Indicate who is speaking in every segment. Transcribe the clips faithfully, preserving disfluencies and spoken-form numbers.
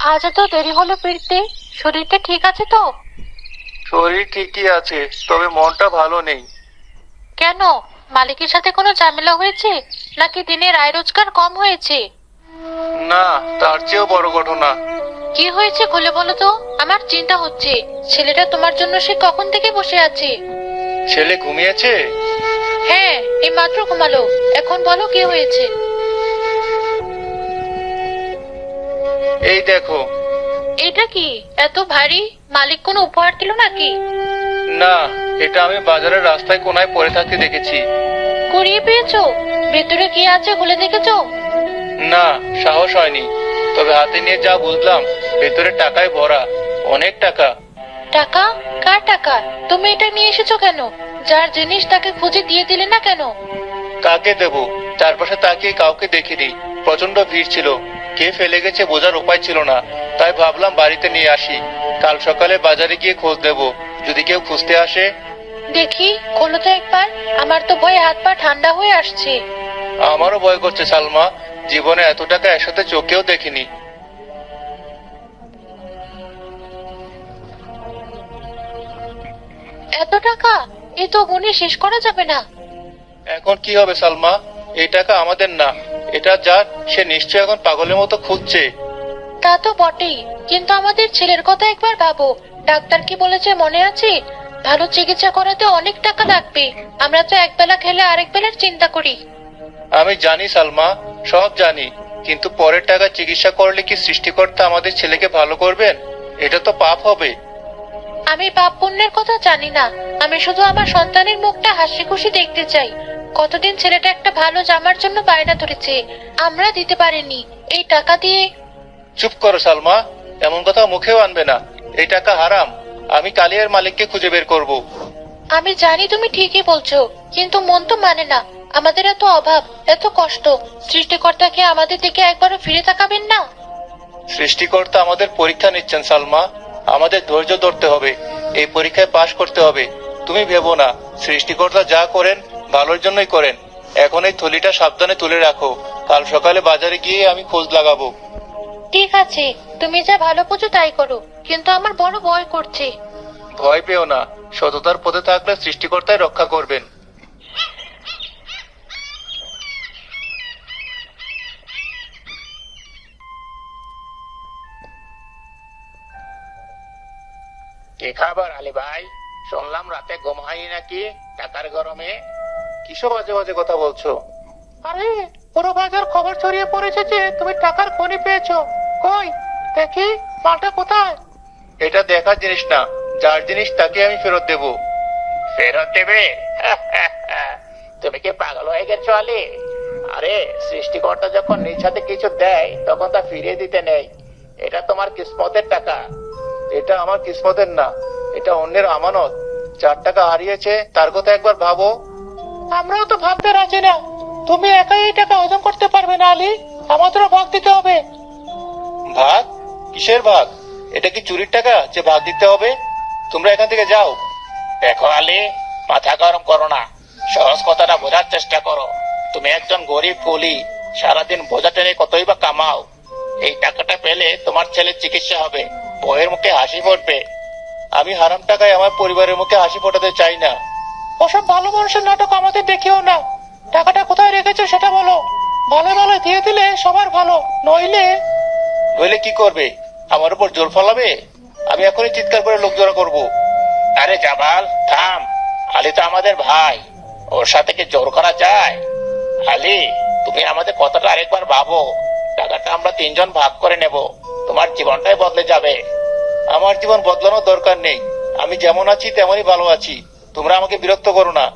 Speaker 1: আজ এত দেরি হলো ফিরতে। শরীরটা ঠিক আছে তো?
Speaker 2: শরীর ঠিকই আছে, তবে মনটা ভালো নেই।
Speaker 1: কেন? মালিকের সাথে কোনো ঝামেলা হয়েছে, নাকি দিনের আয় রোজগার কম হয়েছে?
Speaker 2: না, তার চেয়েও বড় ঘটনা।
Speaker 1: কি হয়েছে খুলে বলো তো, আমার চিন্তা হচ্ছে। ছেলেটা তোমার জন্য সে কখন থেকে বসে আছে।
Speaker 2: ছেলে ঘুমিয়েছে?
Speaker 1: হ্যাঁ, এই মাত্র ঘুমালো। এখন বলো কি হয়েছে।
Speaker 2: এই দেখো।
Speaker 1: এটা কি এত ভারী? মালিক কোনো উপহার দিল নাকি?
Speaker 2: না, এটা আমি বাজারের রাস্তায় কোনায় পড়ে থাকতে দেখেছি।
Speaker 1: কুড়িয়ে পেয়েছো? ভেতরে কি আছে খুলে দেখেছো?
Speaker 2: না, সাহস হয়নি। তবে হাতে নিয়ে যা বুঝলাম, ভেতরে টাকায় ভরা, অনেক টাকা।
Speaker 1: টাকা? কার টাকা? তুমি এটা নিয়ে এসেছো কেন? যার জিনিস তাকে খুঁজে দিয়ে দিলে না কেন?
Speaker 2: কাকে দেব? চারপাশে তাকিয়ে কাউকে দেখিনি। প্রচন্ড ভিড় ছিল, কে ফেলে গেছে বোঝার উপায় ছিল না। তাই ভাবলাম বাড়িতে নিয়ে আসি। কাল সকালে বাজারে গিয়ে খোঁজ দেব, যদি কেউ খুঁজতে আসে।
Speaker 1: দেখি, খোলো তো একবার। আমার তো ভয়ে হাত পা ঠান্ডা হয়ে আসছে।
Speaker 2: আমারও ভয় করছে সালমা। জীবনে এত টাকা একসাথে চোখেও দেখিনি।
Speaker 1: এত টাকা? এ তো গুণে শেষ করা যাবে না।
Speaker 2: এখন কি হবে সালমা? এই টাকা আমাদের না। এটা যার, সে নিশ্চয় এখন পাগলের মতো খুঁজছে।
Speaker 1: তা তো বটেই, কিন্তু আমাদের ছেলের কথা একবার ভাবো। ডাক্তার কি বলেছে মনে আছে? ভালো চিকিৎসা করাতে অনেক টাকা লাগবে। আমরা তো একবেলা খেলে আরেক বেলার চিন্তা করি।
Speaker 2: আমি জানি সালমা, সব জানি। কিন্তু পরের টাকা চিকিৎসা করলে কি সৃষ্টিকর্তা আমাদের ছেলেকে ভালো করবেন? এটা তো পাপ হবে।
Speaker 1: আমি পাপ পুণ্যের কথা জানি না। আমি শুধু আমার সন্তানের মুখটা হাসি খুশি দেখতে চাই। কতদিন ছেলেটা একটা ভালো জামার জন্য বায়না ধরেছে, আমরা দিতে পারিনি। এই টাকা দিয়ে।
Speaker 2: চুপ করো সালমা, এমন কথা মুখেও আনবে না। এই টাকা হারাম। আমি কালিয়ার মালিককে খুঁজে বের করব।
Speaker 1: আমি জানি তুমি ঠিকই বলছো, কিন্তু মন তো মানে না। আমাদের এত অভাব, এত কষ্ট, সৃষ্টিকর্তা কি আমাদের দিকে একবারও ফিরে তাকাবেন না?
Speaker 2: সৃষ্টিকর্তা আমাদের পরীক্ষা নিচ্ছেন সালমা। আমাদের ধৈর্য ধরতে হবে, এই পরীক্ষায় পাশ করতে হবে। তুমি ভেবো না, সৃষ্টিকর্তা যা করেন ভালোর জন্যই করেন। এখন এই থলিটা সাবধানে তুলে রাখো। কাল সকালে বাজারে গিয়ে আমি খোঁজ লাগাবো।
Speaker 1: ঠিক আছে, তুমি যা ভালো বুঝো তাই করো, কিন্তু আমার বড় ভয় করছে।
Speaker 2: ভয় পেও না, সততার পথে থাকলে সৃষ্টিকর্তাই রক্ষা করবেন।
Speaker 3: কি খাবার আলী ভাই? শুনলাম রাতে ঘুম হয়নি নাকি টাকার গরমে?
Speaker 2: কিসব বাজে বাজে কথা বলছো?
Speaker 3: আরে, পুরো বাজার খবর ছড়িয়ে পড়েছে যে তুমি টাকার খনি পেয়েছো। কই দেখি, মালটা কোথায়?
Speaker 2: এটা দেখার জিনিস না, যার জিনিস তাকে আমি ফেরত দেব।
Speaker 3: ফেরত দেবে? তুমি কি পাগল হয়ে গেছো আলী? আরে, সৃষ্টিকর্তা যখন নিজ হাতে কিছু দেয় তখন তা ফিরিয়ে দিতে নেই। এটা তোমার কিসমতের টাকা।
Speaker 2: এটা আমার কিসমতের না, এটা অন্যের আমানত। যার টাকা হারিয়েছে তার কথা একবার ভাবো।
Speaker 3: আমরাও তো ভাবতে রাজি না। তুমি একাই এই টাকা হজম করতে পারবে না আলী, আমাদেরও ভাগ দিতে হবে।
Speaker 2: ভাগ? কিসের ভাগ? এটা কি চুরির টাকা যে ভাগ দিতে হবে? তোমরা এখান থেকে যাও।
Speaker 3: দেখো আলী, মাথা গরম করো না। সহজ কথাটা বোঝার চেষ্টা করো। তুমি একজন গরিব কুলি, সারাদিন বোঝা টেনে কতই বা কামাও। এই টাকাটা পেলে তোমার ছেলের চিকিৎসা হবে, বউয়ের মুখে হাসি ফুটবে।
Speaker 2: আমি হারাম টাকায় আমার পরিবারের মুখে হাসি ফোটাতে চাই না।
Speaker 3: ওসব ভালো মানুষের নাটক আমাদের দেখিও না। টাকাটা কোথায় রেখেছো সেটা বলো। ভালো ভালো দিয়ে দিলে সবার ভালো, নইলে।
Speaker 2: নইলে কি করবে? আমার উপর জোর ফলাবে? আমি এখনই চিৎকার করে লোক জড়ো করবো।
Speaker 3: আরে জামাল, থাম। আলী তো আমাদের ভাই, ওর সাথে কি জোর করা যায়? আলী, তুমি আমাদের কথাটা আরেকবার ভাবো। টাকাটা আমরা তিনজন ভাগ করে নেব, তোমার জীবনটাই বদলে যাবে।
Speaker 2: আমার জীবন বদলানোর দরকার নেই। আমি যেমন আছি তেমনই ভালো আছি। তোমরা আমাকে বিরক্ত করো না।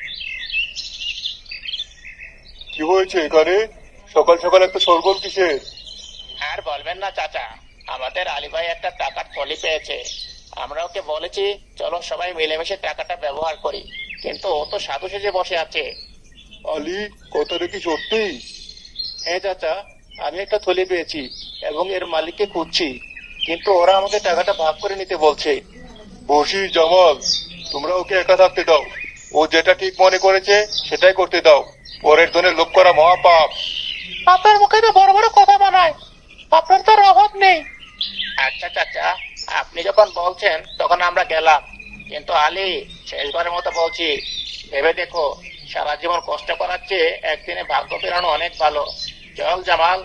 Speaker 2: কি হয়েছে এখানে? সকাল সকাল একটা শোরগোল কিসের?
Speaker 3: আর বলবেন না চাচা, আমাদের আলী ভাই একটা টাকার থলি পেয়েছে। আমরা ওকে বলেছি চলো সবাই মিলেমিশে টাকাটা ব্যবহার করি, কিন্তু ও তো সাধু সেজে বসে আছে।
Speaker 2: আলী, কথাটা কি সত্যি? হ্যাঁ চাচা, আমি একটা থলি পেয়েছি এবং এর মালিককে খুঁজছি, কিন্তু ওরা আমাকে টাকাটা ভাগ করে নিতে বলছে। বসি জামাল, তোমরা ওকে একা থাকতে দাও। ও যেটা ঠিক মনে করেছে সেটাই করতে দাও। পরের ধনে লোভ করা মহাপাপ।
Speaker 3: আপনার মুখে তো বড় বড় কথা বানায়, আপনার তো আর অভাব নেই। বলেছেন তখন আমরা গেলাম। কিন্তু আলী, শেষবারের মতো বলছি, ভেবে দেখো, সারা জীবন কষ্ট করার চেয়ে একদিনে ভাগ্য ফেরানো অনেক ভালো। চল জামাল।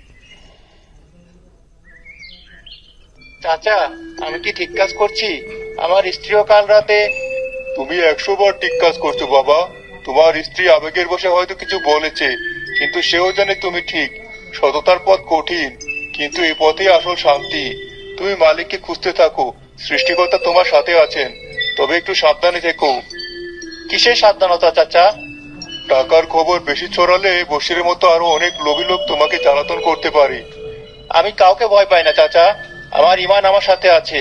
Speaker 2: চাচা, আমি কি ঠিক কাজ করছি? আমার স্ত্রীও কাল রাতে। তুমি একশো বার ঠিক কাজ করছো বাবা। তোমার স্ত্রী আবেগের বশে হয়তো কিছু বলেছে, কিন্তু সেও জানে তুমি ঠিক। সততার পথ কঠিন, কিন্তু এই পথেই আসল শান্তি। তুমি মালিককে খুঁজতে থাকো, সৃষ্টিকর্তা তোমার সাথে আছেন। তবে একটু সাবধানে থেকো। কিসের সাবধানতা চাচা? টাকার খবর বেশি ছড়ালে বসিরের মতো আরো অনেক লোভী লোক তোমাকে জ্বালাতন করতে পারে। আমি কাউকে ভয় পাই না চাচা, আমার ইমান আমার সাথে আছে।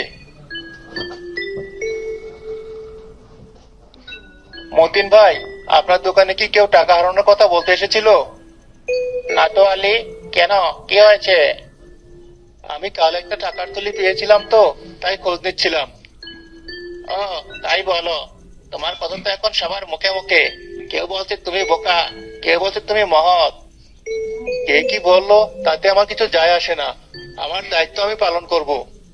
Speaker 2: মতিন ভাই, আপনার দোকানে কি কেউ টাকা হারানোর কথা বলতে এসেছিল?
Speaker 3: না তো আলী, কেন, কি হয়েছে?
Speaker 2: আমি কাল একটা টাকার থলি পেয়েছিলাম তো, তাই খোঁজ নিচ্ছিলাম।
Speaker 3: ও, তাই বলো। তোমার কথা তো এখন সবার মুখে মুখে। কেউ বলছে তুমি বোকা, কেউ বলছে তুমি মহৎ।
Speaker 2: কে কি বললো তাতে আমার কিছু যায় আসে না। আমার দায়িত্ব আমি পালন করব।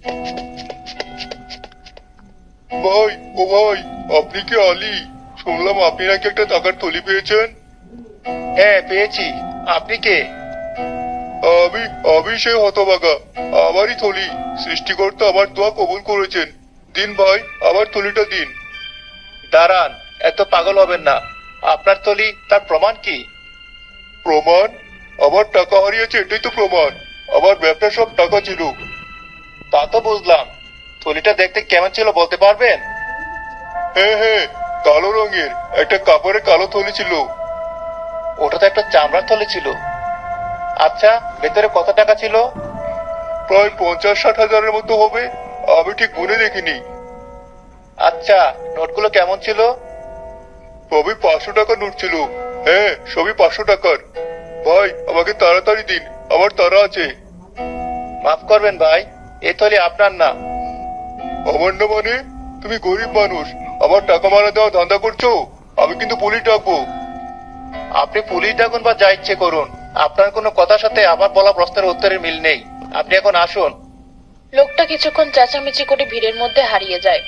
Speaker 2: ভাই, ও ভাই, আপনি কি আলী? শুনলাম আপনি নাকি একটা টাকার থলি পেয়েছেন। হ্যাঁ, পেয়েছি। আপনি কে? আমি আমি সেই হতভাগা। আমারই থলি। সৃষ্টিকর্তা আমার দোয়া কবুল করেছেন। দিন ভাই, আমার থলিটা দিন। দাঁড়ান, এত পাগল হবেন না। আপনার থলি, তার প্রমাণ কি? প্রমাণ? আমার টাকা হারিয়েছে এটাই তো প্রমাণ। আমার ব্যবসা সব টাকা ছিল। তা তো বুঝলাম। থলিটা দেখতে কেমন ছিল বলতে পারবেন? হ্যাঁ হ্যাঁ, কালো রঙের একটা কাপড়ের কালো থলি ছিল। ওটা তো একটা চামড়ার থলি ছিল। আচ্ছা, ভেতরে কত টাকা ছিল? প্রায় পঞ্চাশ ষাট হাজারের মতো হবে। আমি ঠিক গুনে দেখিনি। আচ্ছা, নোটগুলো কেমন ছিল? সবই পাঁচশো টাকার নোট ছিল। হ্যাঁ, সবই পাঁচশো টাকার। ভাই, আমাকে তাড়াতাড়ি দিন, আমার তাড়া আছে। মাফ করবেন ভাই, এই থলি আপনার না। আমার না মানে? তুমি গরিব মানুষ, আমার টাকা মারা দেওয়া ধান্দা করছো? আমি কিন্তু পুলিশ ডাকবো। আপনি পুলিশ ডাকুন বা যা ইচ্ছে করুন, আপনার কোনো কথার সাথে আমার বলা প্রশ্নের উত্তরের মিল নেই। আপনি এখন আসুন।
Speaker 1: লোকটা কিছুক্ষণ চেঁচামেচি করে ভিড়ের মধ্যে হারিয়ে যায়।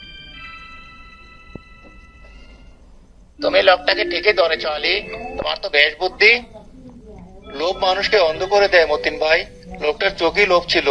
Speaker 3: তুমি লোকটাকে ঠিকই ধরেছ আলী, তোমার তো বেশ বুদ্ধি।
Speaker 2: লোভ মানুষকে অন্ধ করে দেয় মতিন ভাই। লোকটার চোখেই লোভ ছিল।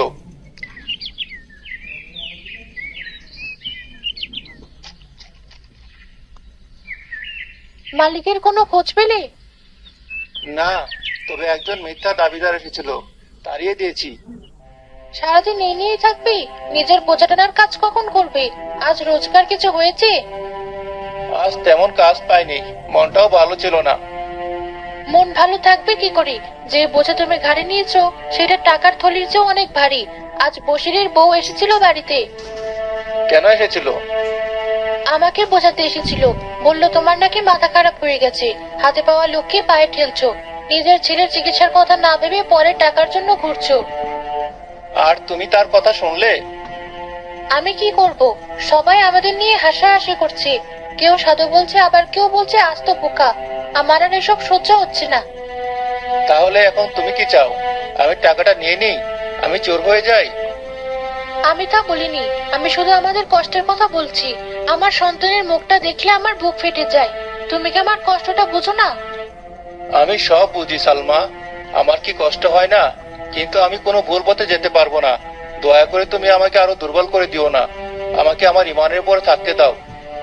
Speaker 1: মালিকের কোনো খোঁজ পেলে?
Speaker 2: না, তবে একজন মিথ্যা দাবিদার এসেছিল, তাড়িয়ে দিয়েছি।
Speaker 1: সারাদিন এই নিয়েই থাকবি? নিজের বোঝা টানার কাজ কখন করবে? আজ রোজগার কিছু হয়েছে?
Speaker 2: আজ তেমন কাজ পাইনি, মনটাও ভালো ছিল না।
Speaker 1: মন ভালো থাকবে কি করে? যে বোঝা তুমি ঘাড়ে নিয়েছো সেটা টাকার থলির চেয়েও অনেক ভারী। আজ বসিরের বউ এসেছিল বাড়িতে।
Speaker 2: কেন এসেছিল?
Speaker 1: আমাকে বোঝাতে এসেছিল। বলল তোমার নাকি মাথা খারাপ হয়ে গেছে, হাতে পাওয়া লোককে পায়ে ঠেলছো, নিজের ছেলের চিকিৎসার কথা না ভেবে পরে টাকার জন্য ঘুরছো।
Speaker 2: আর তুমি তার কথা শুনলে?
Speaker 1: আমি কি করব? সবাই আমাদের নিয়ে হাসাহাসি করছে। কেউ সাধু বলছে, আবার কেউ বলছে আস্ত বোকা। আমার আর এসব সহ্য হচ্ছে না।
Speaker 2: তাহলে এখন তুমি কি চাও? আমি টাকাটা নিয়ে নিই, আমি চোর হয়ে যাই?
Speaker 1: আমি তা বলিনি, আমি শুধু আমাদের কষ্টের কথা বলছি। আমার সন্তানের মুখটা দেখলে আমার বুক ফেটে যায়। তুমি কি আমার কষ্টটা বুঝো না?
Speaker 2: আমি সব বুঝি সালমা, আমার কি কষ্ট হয় না? কিন্তু আমি কোনো ভুল পথে যেতে পারবো না। দয়া করে তুমি আমাকে আরো দুর্বল করে দিও না। আমাকে আমার ইমানের উপরে থাকতে দাও।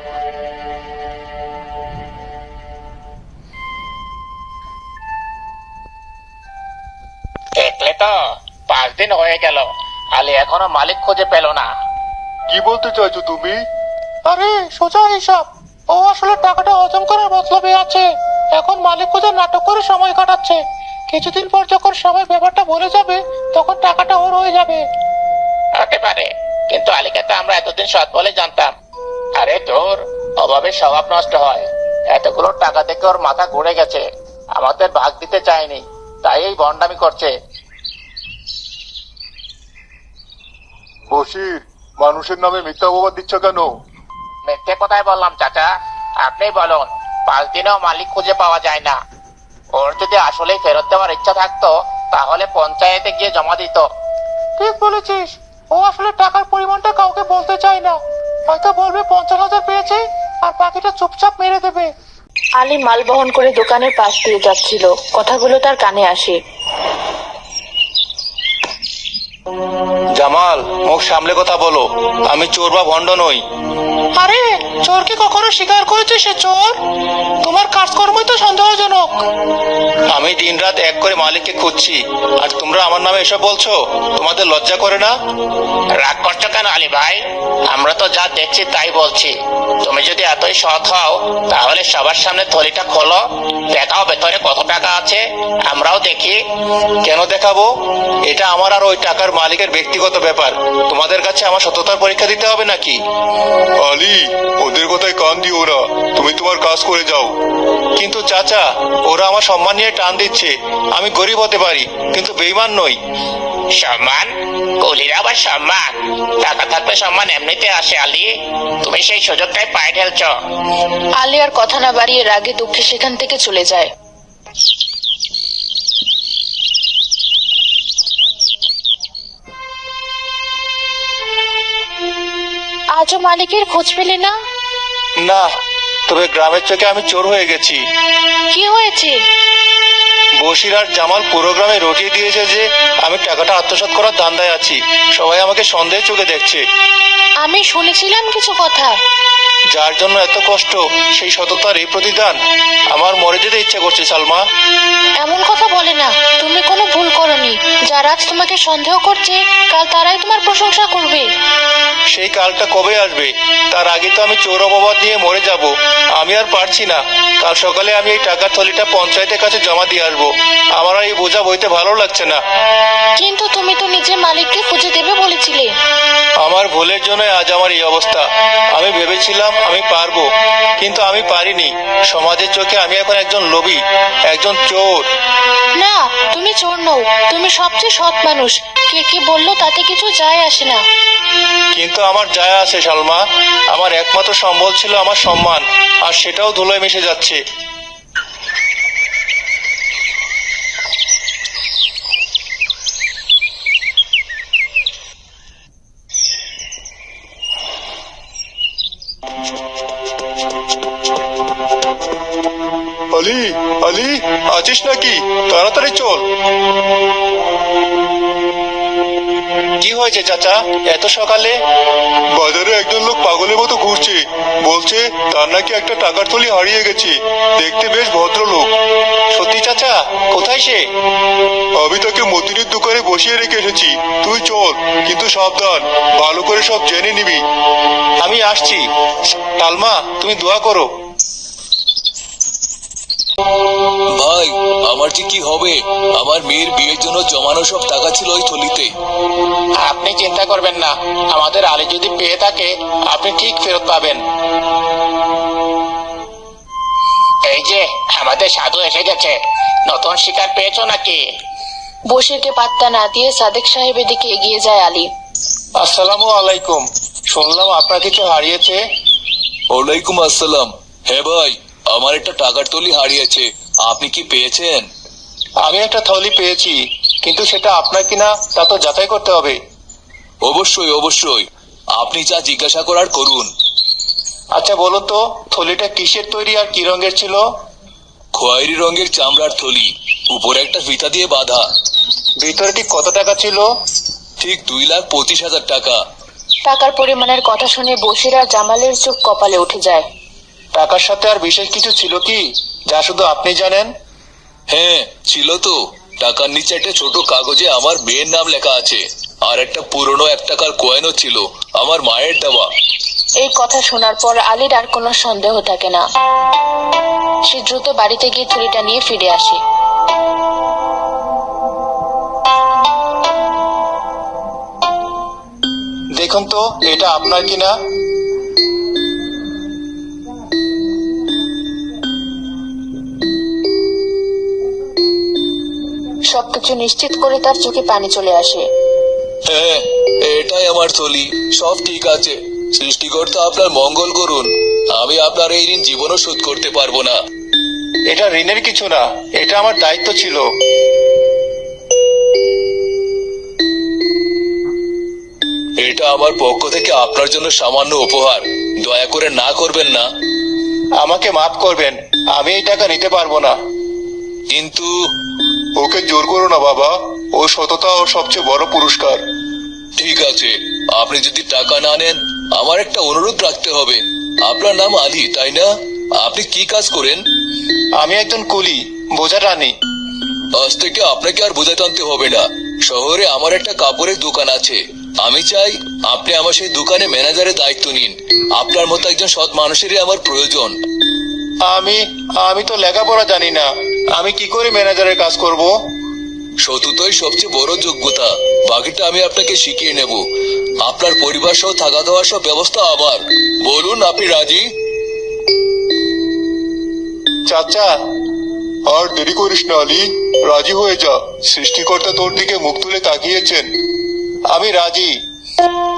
Speaker 3: দেখলে তো, পাঁচ দিন হয়ে গেল, আলী এখনো মালিক খুঁজে পেল না।
Speaker 2: কি বলতে চাইছো তুমি?
Speaker 4: আরে সোজা হিসাব। ও আসলে টাকাটা হজম করার মতলবে আছে। এখন মালিক খোঁজার নাটক করে সময় কাটাচ্ছে। কিছুদিন পর যখন সবাই ব্যাপারটা ভুলে যাবে, তখন টাকাটা ওর হয়ে যাবে।
Speaker 3: হতে পারে, কিন্তু আলীকে তো আমরা এতদিন সৎ বলে জানতাম। আরে তোর অভাবে স্বভাব নষ্ট হয়। এতগুলো টাকা থেকে ওর মাথা ঘুরে গেছে। আমাদের ভাগ দিতে চায়নি, তাই এই ভণ্ডামি করছে।
Speaker 2: বশির, মানুষের নামে মিথ্যা অপবাদ দিচ্ছ কেন?
Speaker 3: মিথ্যে কথাই বললাম চাচা, আপনি বলুন। পাঁচ দিনেও মালিক খুঁজে পাওয়া যায় না। ওর যদি আসলেই ফেরত দেওয়ার ইচ্ছা থাকতো তাহলে পঞ্চায়েতে গিয়ে জমা দিত।
Speaker 4: ঠিক বলেছিস। ও আসলে টাকার পরিমাণটা কাউকে বলতে চায় না। হয়তো বলবে পঞ্চাশ হাজার পেয়েছে আর বাকিটা চুপচাপ মেরে দেবে।
Speaker 1: আলী মাল বহন করে দোকানের পাশ দিয়ে যাচ্ছিল, কথাগুলো তার কানে আসে।
Speaker 2: জামাল, মুখ সামলে কথা বলো। আমি চোর বা ভণ্ড নই।
Speaker 4: আরে চোর কি কখনো স্বীকার করেছে সে চোর? তোমার কাজকর্মই তো সন্দেহজনক।
Speaker 2: আমি দিনরাত এক করে মালিককে খুঁজছি, আর তোমরা আমার নামে এসব বলছো? তোমাদের লজ্জা করে না?
Speaker 3: রাগ করছো কেন আলী ভাই? আমরা তো যা দেখছি তাই বলছি। তুমি যদি এতই সৎ হও তাহলে সবার সামনে থলিটা খোলো, দেখাও ভেতরে কত টাকা আছে, আমরাও দেখি।
Speaker 2: কেন দেখাবো? এটা আমার আর ওই টাকার মালিকের ব্যক্তিগত ব্যাপার। তোমাদের কাছে আমার সততার পরীক্ষা দিতে হবে নাকি? আলী, ওদের কথায় কান দিও না। তুমি তোমার কাজ করে যাও। কিন্তু চাচা, ওরা আমার সম্মান নিয়ে টান দিচ্ছে। আমি গরিব হতে পারি, কিন্তু বেইমান নই।
Speaker 3: সম্মান? কুলির আবার সম্মান? টাকা থাকলে সম্মান এমনিতে আসে আলী। তুমি সেই সুযোগটাই পায়ে ঢেলছ।
Speaker 1: আলী আর কথা না বাড়িয়ে রাগে দুঃখে সেখান থেকে চলে যায়। আজও মালিকের খোঁজ পেলে না?
Speaker 2: না, তবে গ্রামের চোখে আমি চোর হয়ে গেছি।
Speaker 1: কি হয়েছে?
Speaker 2: বশির আর জামাল পুরো গ্রামে রটিয়ে দিয়েছে যে আমি টাকাটা আত্মসাৎ করার ধান্দায় আছি। সবাই আমাকে সন্দেহ চোখে দেখছে।
Speaker 1: আমি শুনেছিলাম কিছু কথা।
Speaker 2: যার জন্য এত কষ্ট, সেই সততার এই প্রতিদান। আমার মরে যেতে ইচ্ছে করছে সালমা।
Speaker 1: এমন কথা বলে না, তুমি কোনো ভুল করনি। যারা আজ তোমাকে সন্দেহ করছে, কাল তারাই তোমার প্রশংসা করবে।
Speaker 2: সেই কালটা কবে আসবে? তার আগে তো আমি চোর অপবাদ নিয়ে মরে যাব। আমি আর পারছি না। কাল সকালে আমি এই টাকার থলিটা পঞ্চায়েতের কাছে জমা দিয়ে আসবো। আমার আর এই বোঝা বইতে ভালো লাগছে না।
Speaker 1: কিন্তু তুমি তো নিজে মালিককে খুঁজে দেবে বলেছিলে।
Speaker 2: আমার ভুলের জন্য আজ আমার এই অবস্থা। আমি ভেবেছিলাম আমি পারবো, কিন্তু আমি পারিনি। সমাজের চোখে আমি এখন একজন লোভী, একজন চোর।
Speaker 1: না, তুমি চোর নও। তুমি সবচেয়ে সৎ মানুষ। কে কি বললো তাতে কিছু যায় আসে না।
Speaker 2: কিন্তু আমার যায় আসে সালমা। আমার একমাত্র সম্বল ছিল আমার সম্মান, আর সেটাও ধুলোয় মিশে যাচ্ছে। আলী, আলী, আছিস নাকি? তাড়াতাড়ি চল। কি হয়েছে চাচা, এত সকালে? বাজারে একজন লোক পাগলের মতো ঘুরছে। বলছে তার নাকি একটা টাকার থলি হারিয়ে গেছে। দেখতে বেশ ভদ্রলোক। সত্যি চাচা? কোথায় সে? আমি তাকে মতিনের দোকানে বসিয়ে রেখে এসেছি। তুই চল, কিন্তু সাবধান, ভালো করে সব জেনে নিবি। আমি আসছি। সালমা, তুমি দোয়া করো।
Speaker 5: ভাই, আমার যে কি হবে? আমার মেয়ের বিয়ের জন্য জমানো সব টাকা ছিল ওই থলিতে।
Speaker 3: আপনি চিন্তা করবেন না, আমাদের আলী যদি পেয়ে থাকে আপনি ঠিক ফেরত পাবেন। এই যে আমাদের সাধু এসে গেছে। নতুন শিকার পেয়েছো নাকি?
Speaker 1: বশিরকে পাত্তা না দিয়ে সাদেক সাহেবের দিকে এগিয়ে যায় আলী।
Speaker 2: আসসালামু আলাইকুম। শুনলাম আপনার কিছু হারিয়েছে।
Speaker 5: ওয়ালাইকুম আসসালাম। হ্যাঁ ভাই, আমার একটা টাকার থলি হারিয়েছে। আপনি কি পেয়েছেন?
Speaker 2: আমি একটা থলি পেয়েছি, কিন্তু সেটা আপনার কিনা তা তো যাচাই করতে হবে।
Speaker 5: অবশ্যই অবশ্যই, আপনি যা জিজ্ঞাসা করার করুন।
Speaker 2: আচ্ছা বলো তো, থলিটা কিসের তৈরি আর কি রঙের ছিল?
Speaker 5: খয়েরি রঙের চামড়ার থলি, উপরে একটা ফিতা দিয়ে বাঁধা।
Speaker 2: ভিতরে ঠিক কত টাকা ছিল?
Speaker 5: ঠিক দুই লাখ পঁচিশ হাজার টাকা।
Speaker 1: টাকার পরিমাণের কথা শুনে বশির আর জামালের চোখ কপালে উঠে যায়।
Speaker 2: টাকার সাথে আর বিশেষ কিছু ছিল কি, যা শুধু আপনি জানেন?
Speaker 5: হ্যাঁ ছিল তো। টাকার নিচে একটা ছোট কাগজে আমার মেয়ের নাম লেখা আছে, আর একটা পুরনো এক টাকার কয়েনও ছিল, আমার মায়ের দেওয়া।
Speaker 1: এই কথা শোনার পর আলীর আর কোনো সন্দেহ থাকে না। সে দ্রুত বাড়িতে গিয়ে থলিটা নিয়ে ফিরে আসে।
Speaker 2: দেখুন তো এটা আপনার কিনা।
Speaker 1: সবকিছু নিশ্চিত করে তার চোখে পানি চলে আসে।
Speaker 5: হ্যাঁ, এটাই আমার থলি। সব ঠিক আছে। সৃষ্টিকর্তা আপনার মঙ্গল করুন। আমি আপনার এই ঋণ জীবনও শোধ করতে পারবো না।
Speaker 2: এটা ঋণের কিছু না, এটা আমার দায়িত্ব ছিল।
Speaker 5: এটা আমার পক্ষ থেকে আপনার জন্য সামান্য উপহার, দয়া করে না করবেন না।
Speaker 2: আমাকে মাফ করবেন, আমি এই টাকা নিতে পারবো না।
Speaker 5: কিন্তু
Speaker 2: ওকে জোর করো না বাবা, ও সততা ও সবচেয়ে বড় পুরস্কার।
Speaker 5: ঠিক আছে, আপনি যদি টাকা না নেন আমার একটা অনুরোধ রাখতে হবে। আপনার নাম আলী, তাই না? আপনি কি কাজ করেন?
Speaker 2: আমি একজন কুলি, বোঝা টানি।
Speaker 5: আজ থেকে আপনাকে আর বোঝা টানতে হবে না। শহরে আমার একটা কাপড়ের দোকান আছে, আমি চাই আপনি আমার সেই দোকানে ম্যানেজারের দায়িত্ব নিন। আপনার মতো একজন সৎ মানুষেরই আমার প্রয়োজন।
Speaker 2: আমি আমি তো লেখাপড়া জানি না, আমি কি করে ম্যানেজারের কাজ করব?
Speaker 5: সততাই সবচেয়ে বড় যোগ্যতা, বাকিটা আমি আপনাকে শিখিয়ে নেব। আপনার পরিবার সহ থাকা খাওয়ার সব ব্যবস্থা আমার। বলুন, আপনি রাজি?
Speaker 2: চাচা, আর দেরি করিস না আলী, রাজি হয়ে যা। সৃষ্টিকর্তা তোর দিকে মুখ তুলে তাকিয়েছেন। আমি রাজি।